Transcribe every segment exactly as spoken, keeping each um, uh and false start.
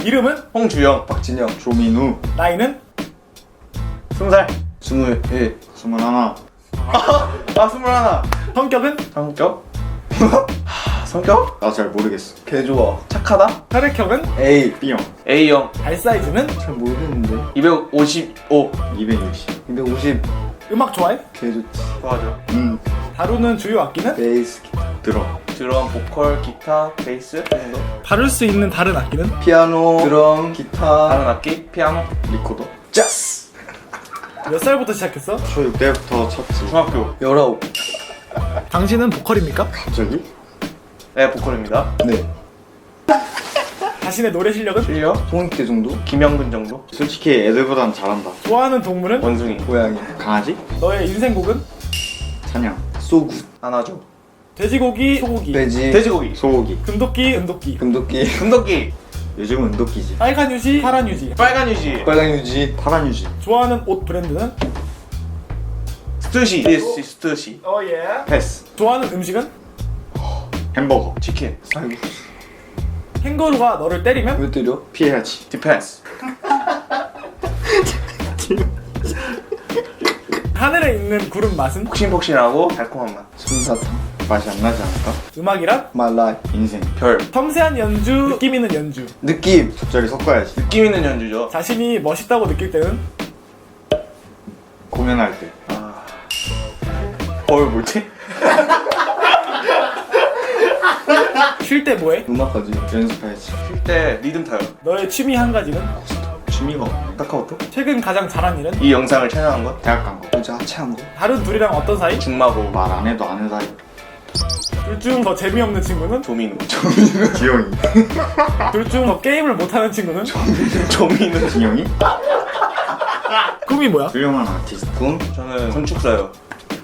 이름은 홍주영, 박진영, 조민우. 나이는 스무 살. 스물일. 스물하나. 아 스물하나. 성격은 성격? 하, 성격? 나 잘 모르겠어. 개 좋아. 착하다? 혈액형은 A. B형. A형. 발 사이즈는 잘 모르겠는데. 이백오십오. 이백육십. 이백오십. 음악 좋아해? 개 좋지. 좋아하죠. 음. 다루는 주요 악기는 베이스 기타. 드럼. 드럼, 보컬, 기타, 베이스 정도. 다룰 수 있는 다른 악기는 피아노, 드럼, 기타, 다른 악기? 피아노, 리코더. 짜스. 몇 살부터 시작했어? 초육 때부터 쳤지. 중학교. 열아홉. 당신은 보컬입니까? 갑자기? 네, 보컬입니다. 네. 자신의 노래 실력은? 실력? 송익대 정도? 김영근 정도? 솔직히 애들보단 잘한다. 좋아하는 동물은? 원숭이. 고양이. 강아지? 너의 인생곡은? 사냥. 소구. 하나죠. 돼지고기, 소고기, 돼지. 돼지고기. 소고기. 금도끼, 은도끼, 금도끼. 금도끼. 요즘은 은도끼지. 빨간 유지, 파란 유지. 빨간 유지. 빨강 유지. 파란 유지. 좋아하는 옷 브랜드는? 스투시. 디스 스투시. 어 예. 패스. 좋아하는 음식은? 햄버거. 치킨. 아이고. 캥거루가 너를 때리면? 왜 때려? 피해야지. 디펜스. 하늘에 있는 구름 맛은? 폭신폭신하고 달콤한 맛. 솜사탕. 맛이 안 나지 않을까? 음악이란? 말라이. 인생. 별. 섬세한 연주, 느낌 있는 연주. 느낌. 적절히 섞어야지. 느낌 있는 연주죠. 자신이 멋있다고 느낄 때는? 공연할 때. 아. 뭘 뭐지? 쉴 때 뭐해? 음악까지. 연습해야지. 쉴 때 리듬 타요. 너의 취미 한 가지는? 취미가 없네. 카카오톡? 최근 가장 잘한 일은? 이 영상을 촬영한 거? 대학 간 거. 모자 하체한 거. 다른 둘이랑 어떤 사이? 중마고 말 안 해도 아는 사이. 둘 중 더 재미없는 친구는? 조민우. 조민우. 지영이. 둘 중 더 게임을 못하는 친구는? 조민우. 지영이? 꿈이 뭐야? 훌륭한 아티스트. 꿈? 저는 건축사요.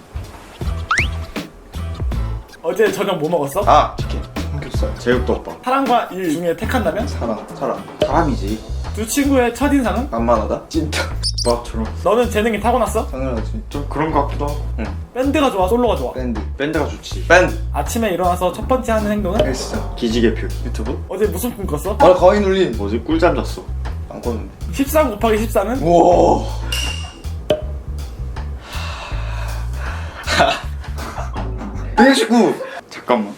어제 저녁 뭐 먹었어? 아! 치킨. 삼겹살. 제육덮밥. 사랑과 일 중에 택한다면? 사랑. 사람. 사람이지. 두 친구의 첫인상은? 만만하다? 찐따. 오빠처럼. 너는 재능이 타고났어? 당연하지. 좀 그런 거 같기도 하고. 응. 밴드가 좋아, 솔로가 좋아? 밴드. 밴드가 좋지. 밴드. 아침에 일어나서 첫 번째 하는 행동은? 헬스장. 기지개표. 유튜브? 어제 무슨 꿈 꿨어? 아 가위 눌림. 뭐지? 꿀잠 잤어. 안 꿨는데. 십삼 곱하기 십사는? 우와. 백십구. 잠깐만.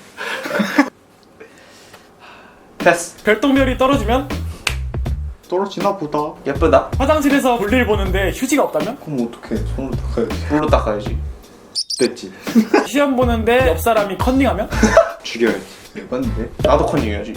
패스. 별똥별이 떨어지면? 떨어지나 보다. 예쁘다. 화장실에서 볼일 보는데 휴지가 없다면? 그럼 어떡해. 손으로 닦아야지. 물로 닦아야지. 됐지. 시험 보는데 옆 사람이 컨닝하면? 죽여야지. 대박인데? 나도 컨닝해야지.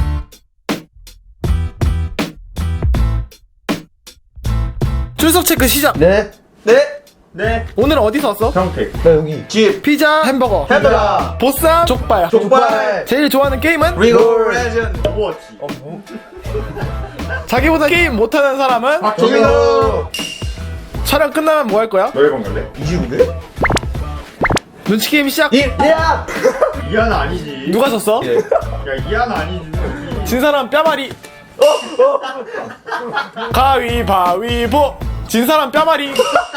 출석 체크 시작! 네. 네. 네. 오늘은 어디서 왔어? 평택. 나 여기. 집. 피자, 햄버거, 헤드라. 보쌈, 족발. 족발. 제일 좋아하는 게임은? 리그 레전드. 오버워치. 자기보다 게임 못하는 사람은? 박종민호. 촬영 끝나면 뭐 할 거야? 노래방 갈래? 이지훈데? 눈치 게임 시작! 야. 이하는 아니지. 누가 졌어? 야 이하는 아니지. 진 사람 뼈마리. 가위바위보. 진 사람 뼈마리.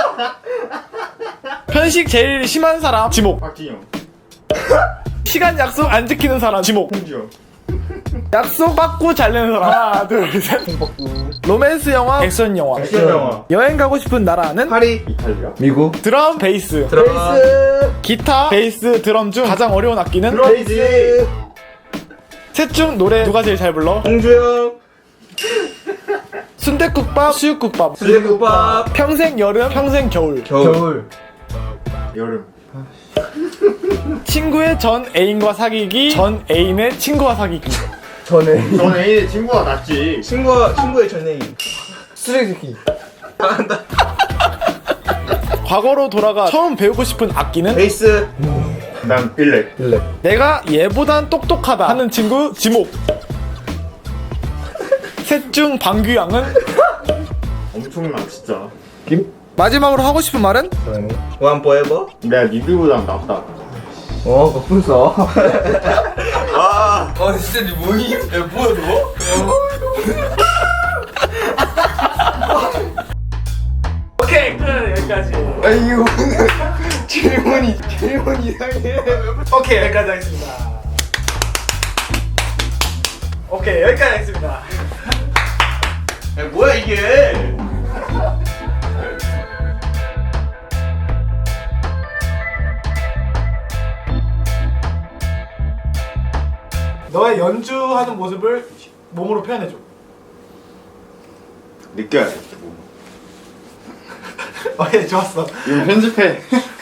편식 제일 심한 사람 지목. 박진영. 시간 약속 안 지키는 사람 지목. 홍주영. 약속 받고 잘 내는 사람. 하나 둘셋. 로맨스 영화, 액션 영화. 액션 영화. 여행 가고 싶은 나라는? 파리. 이탈리아. 미국. 드럼, 베이스. 베이스. 기타, 베이스, 드럼 중 가장 어려운 악기는? 베이스. 셋 중 노래 누가 제일 잘 불러? 홍주영. 순댓국밥, 수육국밥. 수제국밥. 평생 여름, 평생 겨울. 겨울. 여름. 친구의 전 애인과 사귀기, 전 애인의 친구와 사귀기. 전에. 넌 애인의 친구가 낫지. 친구와 친구의 전애인. 쓰레기. 과거로 돌아가 처음 배우고 싶은 악기는? 베이스. 난 빌렉. 일렉. 내가 얘보단 똑똑하다 하는 친구 지목. 셋 중 방귀양은? 엄청나 진짜. 김. 마지막으로 하고 싶은 말은? 원 포에버. 내가 니들보단 낫다. 어, 거품 써. 아. 아, 진짜 니 뭐니? 야, 뭐야 너? 오케이 끝 여기까지. 아, 이거 질문이 질문 이상해. 오케이 여기까지 하겠습니다. 오케이 여기까지 하겠습니다. 야 뭐야 이게? 너의 연주하는 모습을 몸으로 표현해줘. 느껴야 돼. 오케이, 좋았어. 이거 편집해.